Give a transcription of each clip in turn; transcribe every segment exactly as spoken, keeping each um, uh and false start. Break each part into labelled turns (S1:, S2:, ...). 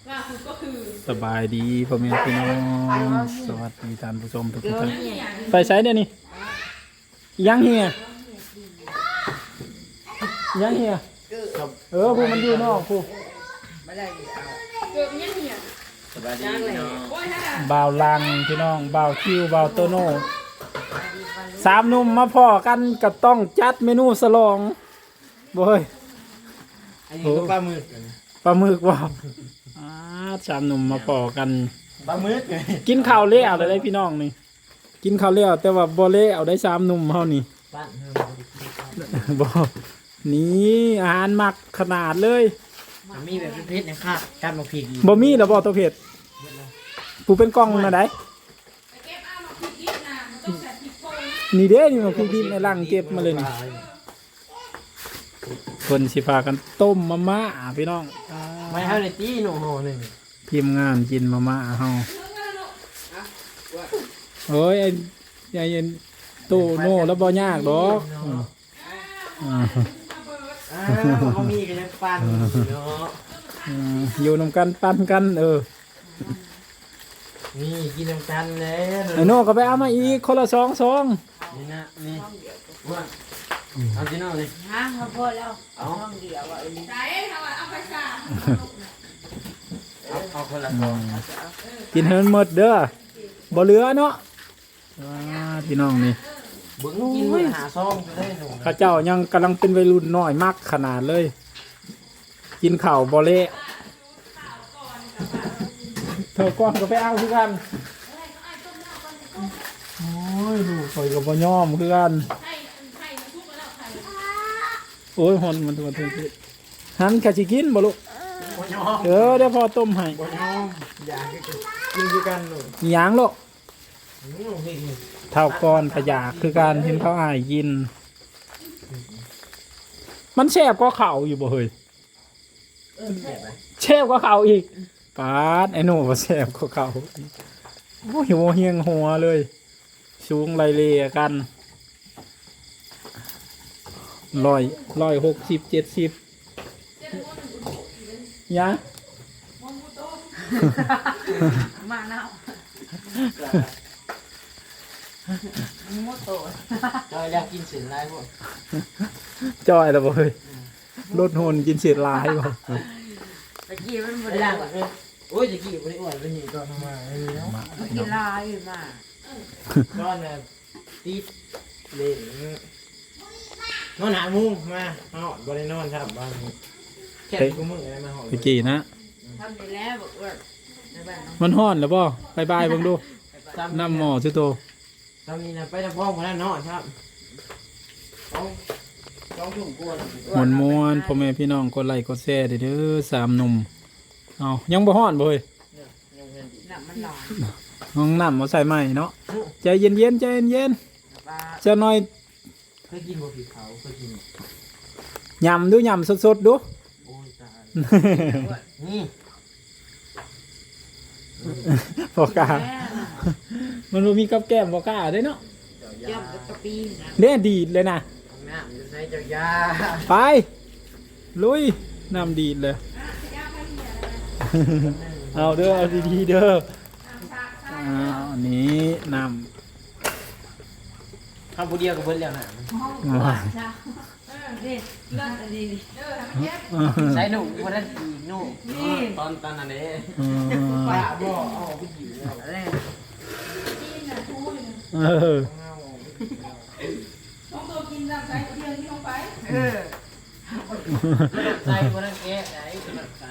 S1: ล่าสุดก็คือ
S2: สบายดีพ่อแม่พี่น้องสวัสดีท่านผู้ชมทุกท่านไปใช้เดี๋ยวนี้ยังเฮียยังเฮียเออผู้มันอยู่นอกผู้
S1: เกิดยังเนี่ย
S3: สบายดีพี่น้อง
S1: โอ้ยฮะ
S2: บ่าวลังพี่น้องบ่าวคิวบ่าวโตโน่สามหนุ่มมาพ่อกันก็ต้องจัดเมนูสลองบ่เฮ้ย
S3: อันนี้ก็ปลาหมึก
S2: ปลาหมึกบ่อ่าสามหนุ่มมาพ่อกัน
S3: ปลาหมึกไง
S2: กินข้าวเละเอาได้พี่น้องนี่กินข้าวเละแต่ว่าบ่เละเอาได้สามหนุ่มเฮานี่
S3: ปั้น
S2: บ่นี่อาหารหมักขนาดเลย
S3: มันมีแบบเพชรนะครับการมาพริก
S2: บ่มีแล้วบ่ตัวเผ็ดผู้เป็นกล้องน่ะได้
S1: ไปเก็บเอามาพริกดิบนะมันต้องใส่พริกโพย
S2: นี่เด้นี่มาพริกดิบในลังเก็บมาเลยนี่คนสิพากันต้มมาม่าพี่น้อง
S3: ไม่ให้เลยตีหนูห่อหนึ่ง
S2: ทีมงานกินมาม่าเฮาโอ้ยไอ้ไอ้ตู้โน่แล้วบ่ยากดอกอืมอ่า
S3: อ่าเขามีกันยังปั้นเนาะ
S2: อืมอยู่นำกันปั้นกันเออ
S3: นี่กินน้ำกันเลย
S2: ไอ้โน่ก็ไปเอามาอีกคนละสองซอง
S3: นี่นะนี่ว่าเอาที่นอกเลย
S4: ฮะเขาพอแล้วเอาห้องเดียวอ่ะ
S1: ไหนทำเอาไปสา
S3: เอาเอาคนละสอง
S2: กินให้มันหมดเด้อบ่เหลือเนาะอ่าพี่น้องนี่
S3: บึ้งกินมือหาซองจะได้หนู
S2: ข้าเจ้ายังกำลังเป็นวัยรุ่นน้อยมากขนาดเลย กินข้าวบ่เละเธอก้อนก็ไปเอาคือกันโอ้ยลูกคอยก็บ่ยอมคือกัน
S1: ไข่ไข่มันทุกข์แล้วไข่
S2: โอ้ยหอนมันตัวเธอหันแค่สิกินบ่ลูก
S3: บ่ยอม
S2: เออเดี๋ยวพอต้มให้
S3: บ่ยอมอยากกินด้วยกันหนู
S2: อิหยังลูก
S3: นี่เห็น
S2: เท่าก้อนขยากคือการเห็นเขาอายกิน มันแซ่บกว่าข้าวอยู่บ่เฮ้ย
S3: แบบไหน
S2: แซ่บกว่าข้าวอีกปาดไอ้หนูบ่แซ่บกว่าข้าวโอ้ยหัวเฮียงหัวเลยสูงไรเลียกันร้อยร้อยหกสิบเจ็ดสิบยัง
S4: มาเน่าโมโต
S3: เราอยากกินเส้นลายพวก
S2: จอยแล้วบ่เฮ้ยลดหุ่นกินเศษลายบ่
S4: ตะกี้มันบ่
S3: ไม่
S4: ได้
S3: ได้เลยโอ้ยจะกี่วันนี้อ้วนวันนี้ก็ทำมาไอ้นี่เนาะ
S4: กินลายมา
S3: ก้อนน่ะตีเล่นนอนหามุ้งมาเอาบริโนอนครับบ้านนี้แค่กูมึงอะไรมาหอ
S2: ตะกี้นะ
S4: ทำได้แล้วบอกว่าในบ้านน้อง
S2: มันฮ้อนแล้วบ่บายบายเบิ่งดูน้ำหม้อซื่อโต
S3: ตอนนี้นะไปทำพ่อคนนั้นเนาะครับต้องต้องถุงกวน
S2: มวนมวนๆพ่อแม่พี่น้องกดไลค์กดแชร์เด้อสามหนุ่มเอายังบ่ฮ้อนบ่เฮ้ย
S3: ยังเงินดี
S4: น่ะมันหลอน
S2: ห้องน้ำมาใส่ใหม่เนาะใจเย็นๆใจเย็น
S4: ปลา
S2: ๆจะหน่อย
S3: เคยกินบะหมี่เขาเคยกิน
S2: ยำดูยำสดๆดู
S3: โอ้ยตายนี่
S2: บอกล้ามันบ่มีกับแก้มบอกล้าได้เนาะ
S4: ย่อมกระปีนะ
S2: เด้ดีดเลยนะ
S3: น้ำจะใช้เจ้ายา
S2: ไปลุยน้ำดีดเลย เอาเด้อเอาดีๆเด้ออ้าวอันนี้น้
S3: ทำผู้เดียวกับเพื่อนแล้วนะ
S2: ำว้าว
S4: เออดิเลิศดี
S1: เออทำให้เย็บ
S3: ใช้หนูวันนั้นอีหนูตอนตอนนั้นเอง
S2: เออ
S3: ป้าบอกเอาไปอยู่แล้ว
S4: อะไร
S1: กินน่ะทูอยู่
S2: เออ
S1: น้องตัวกินน้ำใส่เที่ยงที่ลงไป
S4: เออ
S3: ใส่วันนั้นแกะไหนใส่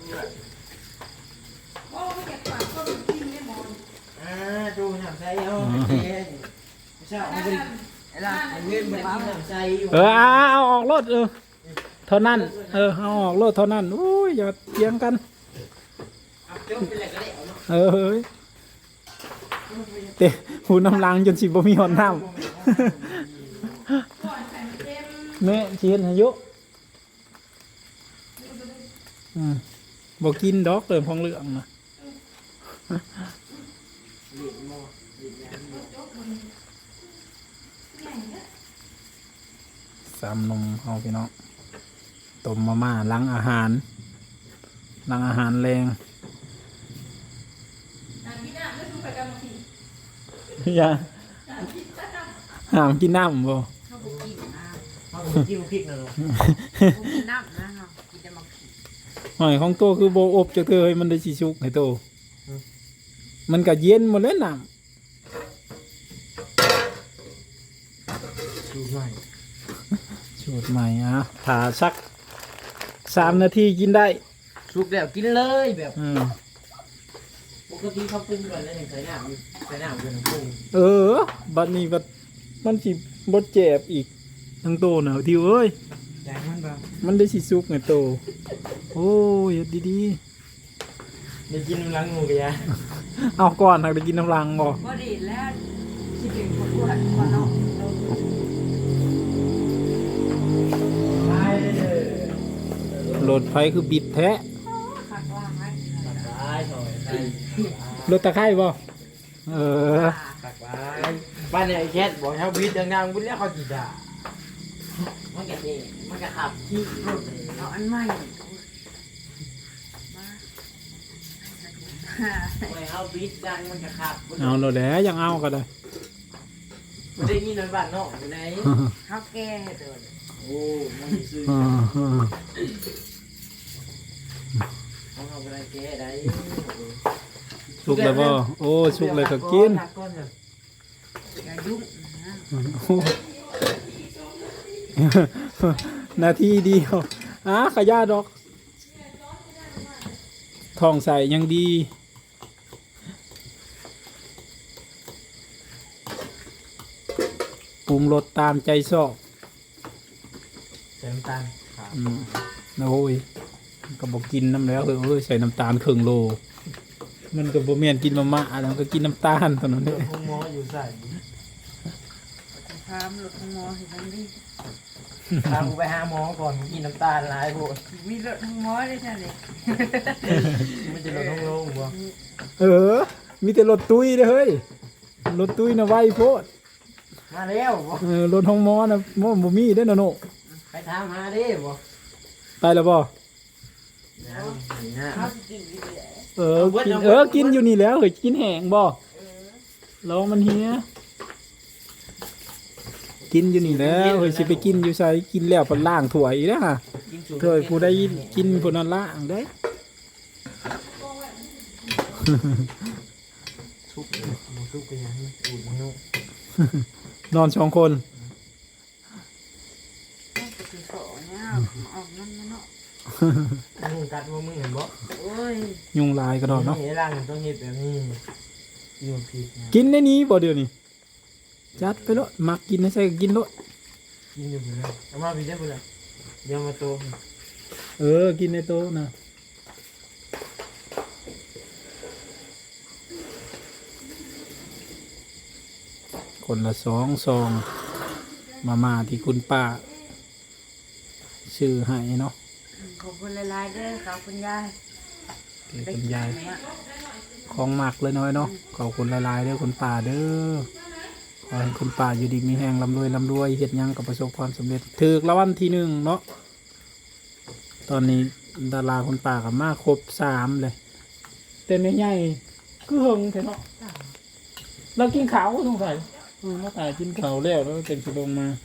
S1: โอ้ไม่อยากฝากก็กินไม่หมด
S3: อ่าดูทำใส่เอาแกะไม่ใช่เอาไป
S4: ไอ้ล่ะ
S3: เงินแบบนี้ทำใส่อยู่
S2: เออเอาเอาออกรถเออเท่านั้นเออเอาออกรถเท่านั้นอุ้ยอย่าเถียงกัน
S3: เอาจบไปเลยก็ได้เอาเนาะ
S2: เออเฮ้ยเตะหูน้ำลังจนสิบ่มีหอนน้
S1: ก่อนใส่เต็ม
S2: ำแม่เชียนอายุอืมบ่กินดอกเติมของเหลืองนะสามนมเอาพี่น้องต้มมาม่าล้างอาหารล้างอาหารแรงอย่าห้ามกินน้ำบ่
S4: เขาบอกกินนะ
S3: เอาผมจิ้มพริกหน่อย
S4: ผมกินน้ำนะเขากินแต่มักผี
S2: หอยของโตคือโบอบจะเธอให้มันได้สิชุกให้โตมันก็เย็นหมดแล้วน้
S3: ดูหน่อย
S2: ำสูตรใหม่อ่ะผ่าสักสามนาทีกินได้
S3: สุกแล้วกินเลยแบบ
S2: อืม
S3: ปกติเขาปรุงก่อนแล้วยังใส่น้ำอยู่ใส่น้ำอยู่ในปรุง
S2: เออ บัดนี้บัดมันสิบดเจ็บอีกทั้งโตหนาวทิวเอ้ย
S3: แจงมันเปล่า
S2: มันได้สิสุกไงโต โอ้ยเฮ็ดดี
S3: ได้กินน้ำล้างงูกันยะ
S2: ๆ เอาก่อนหักได้กินน้ำรังบ่
S4: พอดีแล้วที่เป็นคนอ้วนคนนอกเรา
S3: ไปเลย
S2: รถไฟคือบิดแท้
S4: คักว่าให้
S3: ไปถอยไป
S2: รถตะไคร่บ่เออ
S3: ตักไปบ้านเนี่ยไอ้แคทบอกเขาบีดดังๆคุณเรียกเขาจีด่ามันแกนี่มันก็ขับขี้รถเลย
S4: เอาอันใหม่มา
S3: ไม่เอาบีดดังมันก็ขับ
S2: เอาโลดแหล้วยังเอาก็ได้
S3: ไม่ได้ยินในบ้านนอกอยู่ไหน
S4: เขาแก้ให้เดิน
S3: โอ้มันซื้อ
S2: อ่าอ่า
S3: เขาเอาไปได้แก้ได้
S2: สุกแล้วบ่โอ้สุกเลยก็กิน
S4: อย่ายุ่งนะ
S2: นาทีเดียวอ่ะขยะดอกทองใส่ยังดีปรุงรสตามใจชอบ
S3: ใส่น้ำตาลครับ
S2: อืมโอ้ยก็บอกกินน้ำแล้วเออเอ้ยใส่น้ำตาลครึ่งโล มันก็บ่แม่นกินมาม่าแล้วก็กินน้ำตาลเท่านั้นเด้
S3: ห้องหมออยู่ใส่
S4: พามรถทั้งมอเห็นทั้งนี้
S3: พากูไปหาหมอก่อนกินน้ำตาลหลายโพด
S4: มีรถทั้งมอได้ใช่ไหม
S3: มันจะลดห้องโล่งบ่
S2: เออ มีแต่รถตุ้ยเด้อเฮ้ยรถตุ้ยน่ะไวโพด
S3: มาแล้วบ่
S2: เออรถห้องหมอน่ะบ่บ่มีเด้อนะโน
S3: ไปถามหาดิบ่
S2: ไปแล้วบ่
S3: ยังนี่ฮะ
S4: เขาสิกินอยู่เลย
S2: เออกินเออกินอยู่นี่แล้วเฮ้ยกินแห้งบ่ลองมันเฮียกินอยู่นี่แล้วเฮ้ยสิไปกินอยู่ไสกินแล้วเพิ่นล้างถ้วยอีกแล้วฮะ
S3: กินสูตร
S2: เถ้วยผู้ใดกินผู้นั้นล้างได้
S3: ทุกเลยหมูทุกไปยังอูดมันนุ่ม
S2: นอนสองคน
S4: ก็คือโสเนี่ยออกนั่นเนาะ
S3: มึงกัดว่ามึงเห็นบ่
S4: โอ้ย
S2: ยุงลายกระดอกเนาะ
S3: นี่ร่างต้องเฮ็ดแบบนี้อยู่ผิดนะ
S2: กินในนี้บ่เดี๋ยวนี้จัดไปโลดมักกินให้ใส่ก็กินโลด
S3: กินอยู่ผิดนะเอามาผิดได้บ่ล่ะเดี๋ยวมาโต
S2: เออกินในโต๊ะนะคนละสองซองมามาที่คุณป้าชื่อให้เนาะ
S4: ขอบคุณหลายๆเด้อขอบคุณยาย
S2: เกี่ยวคุณยายของหมักเลยน้อยเนาะขอบคุณหลายๆเด้อคุณป้าเด้อขอให้คุณป้าอยู่ดีมีแหงลำรวยลำรวยเฮ็ดหยังกับประสบความสำเร็จถือละวันที่หนึ่งเนาะตอนนี้ดาราคุณป้ากับมาครบสามเลยแต่ไม่ใหญ่คือหึงแท้เนาะเรากินข้าวสงสัยเออมาตายกินข้าวแล้วแล้วเต็มสิลงมา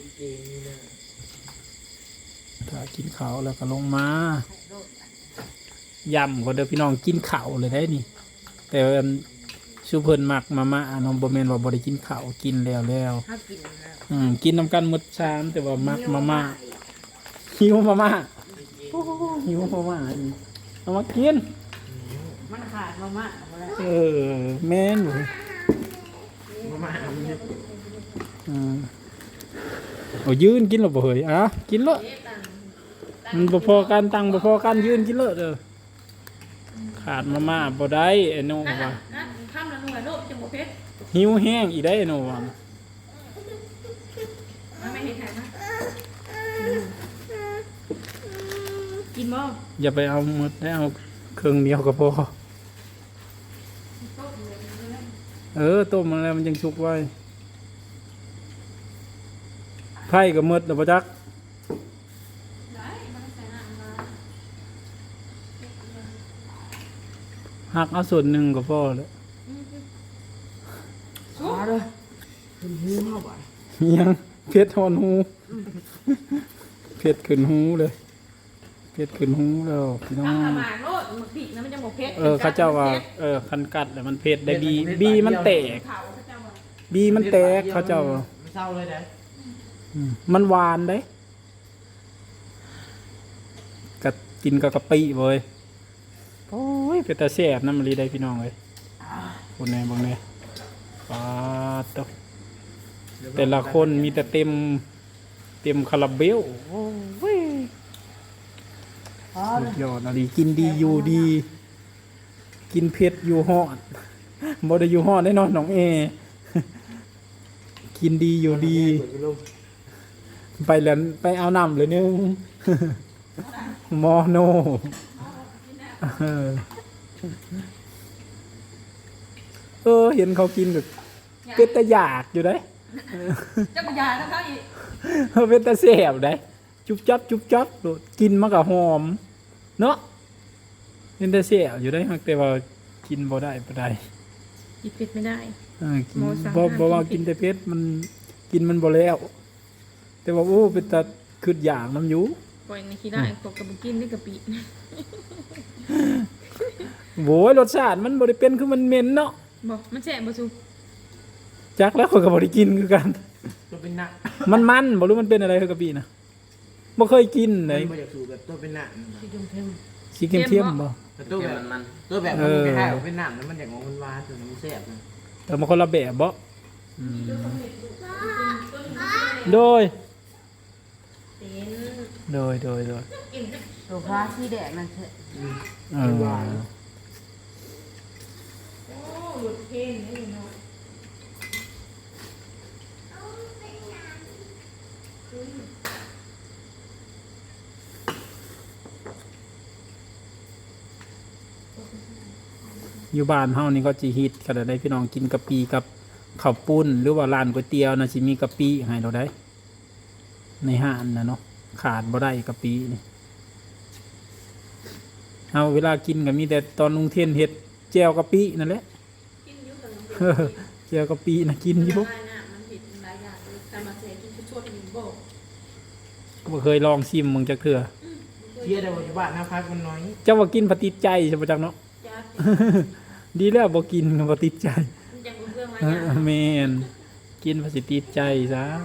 S2: ถ้ากินข้าวแล้วก็ลงมายำก็เด้อพี่น้องกินข้าวเลยได้นี่ แต่ว่าชูเพิ่นมักมาม่าน้องบ่แม่นว่าบ่ได้กินข้าวกินแล้วแล้ว
S4: ถ้ากินแล้ว
S2: อืมกินน้ำกันหมดชามแต่ว่ามักมาม่าหิวมาม่าโอ้โหหิวมาม่าอีกเอามากิน
S4: มันขาดมาม่าหมดแล้ว
S2: เออแม่นอยู่
S3: มามาอันนี้
S2: อืมเอายืนกินหรอบ่เฮ้ยอ่ะกินเลยมันบ่พอกันตังบ่พอกันยืนกินเลยเด้อขาดมาม่าบ่ได้ไอ้โน่
S1: นั่น
S2: ว่า
S1: น่ะนั่นข้ามละหน่วยโลกจังบ่เพชร
S2: หิวแห้งอีได้ไอ้โน่ว่า
S1: มันไม่เห็นใครนะกินบ่
S2: อย่าไปเอาหมดได้เอาเครื่องเดียวก็พอเออต้มมันแล้วมันยังสุกไว้ไผ่ก็หมดแล้วบ่จัก
S1: ได้มันใส่น้ำมา
S2: หักเอาส่วนหนึ่งก็พอแล้ว
S1: ส
S4: มาเลยเป็นหูเฮาบ่
S2: ยังเพชรทอนหูเพชรขึ้นหูเลยเพชรขึ้นหูแล้วพี่น้อง
S1: ทำขมาโลดมันผิดนะมันจะหมกเพชร
S2: เออเขาเจ้าว่าเออคันกัดแล้วมันเพชรได้บีบีมันแตก
S1: เขาเขาจะว่า
S2: บีมันแตกเขาเจ้า
S3: มันเศร้าเลยได้
S2: อืมมันหวานได้กัดกินกับกะปิเว้ยโอ้ยเป็นตาแซ่บน้ำมันรีได้พี่น้องเลยบนไหนบนไหนปาดตกแต่ละคนมีแต่เต็มเต็มคาราเบลโอ้ย
S4: พอเลย
S2: ยอดอะไรกินดีอยู่ดี กินเผ็ดอยู่ฮอดบ่ได้อยู่ฮอดได้นอนน้องเอ กินดีอยู่ดี ไปแล้วไปเอาน้ำเลยนึง มอโนเออเออเห็นเขากินแบบเป็นตะอยากอยู่ได้
S1: เจ้าปัญญาแล้วเขาอีก
S2: เออเป็นตะแสบได้จุบจับจุบจับโดดกินมันก็หอมเนาะเป็นตะแสบอยู่ได้ฮักแต่ว่ากินบ่ได้บ่ได้
S1: กินเผ็ดไม่ได้
S2: เออกิน
S1: โมสั่ง
S2: บ่
S1: ห้าม
S2: บ่ว่า
S1: กิ
S2: กิน
S1: น
S2: แต่เผ็ดมันกินมันบ่แล้ว แต่ว่าโอ้เป็นตาคืดอยากน้ำอยู่
S1: ปล่อยในขี้ได้ตกกับบุกินด้วยกะปิ
S2: โว้ยรสชาติมันบ่ได้เป็นคือมันเหม็นเนาะ
S1: บอกมันแฉะบ่ซุ
S2: จักแล้วข้อยก็บ่ได้กินคือกัน
S3: ตัวเป็นหนัก
S2: มันมันบ่รู้มันเป็นอะไรคือกะปินะบ่เคยกินเลย
S3: มันอยากสูบแบบตัวเป็นหนัก
S4: ที่จุ่มเพิ่ม
S2: สีเข้มๆบ่
S3: แต่ตัวแบบมันตัวแบบมันคล้ายๆเป็นหนักแล้วมันอย่างของมันหวานตัวนี้มันแซ่บนะ
S2: แต่มันคนละแบบบ่อืมโดยโดยโดยโดย
S4: โซฟาสีแดงนั่นเถอะ
S2: เออ
S1: โอ้หลุดเพนนี่เนาะ
S2: อยู่บ้านเฮานี่ก็สิฮิตก็ได้พี่น้องกินกะปิกับข้าวปุ้นหรือว่าร้านก๋วยเตี๋ยวน่ะสิมีกะปิให้เราได้ ในห้างน่ะเนาะขาดบ่ได้กะปินี่เอาเวลากินก็มีแต่ตอนลุงเทียนเฮ็ดแจ่วกะปินั่นแหละ
S1: กินอยู่กับน้อง
S2: เออแจ่วกะปิน่ะกินอยู่
S1: ได้นะมันผิดหลายอย่างเลยแต่มาเสียกินชุดชดหนึ่งโบก
S2: บ่เคยลองชิมมึงจักเทื่อ
S3: เชี่ยแต่ว่าอยู่บ้านนะพักมันน้อย
S2: เจ้าว่ากินบ่ติดใจใช่บ่จักเนาะ
S1: จ้า
S2: ดีแล้วบ่กินก็บ่ติดใจ
S1: มันยังรู้เรื่องหลาย
S2: เอ
S1: อย่าง
S2: อแม่นกินบ่สิติดใจซะ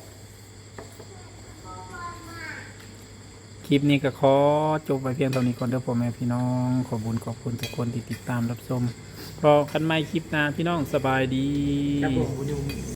S2: คลิปนี้ก็ขอจบไว้เพียงเท่านี้ก่อนเด้อพ่อแม่พี่น้องขอบคุญขอบคุณทุกคนที่ติดตามรับชมพอกันใหม่คลิปหน้าพี่น้องสบายดี
S3: ครับผม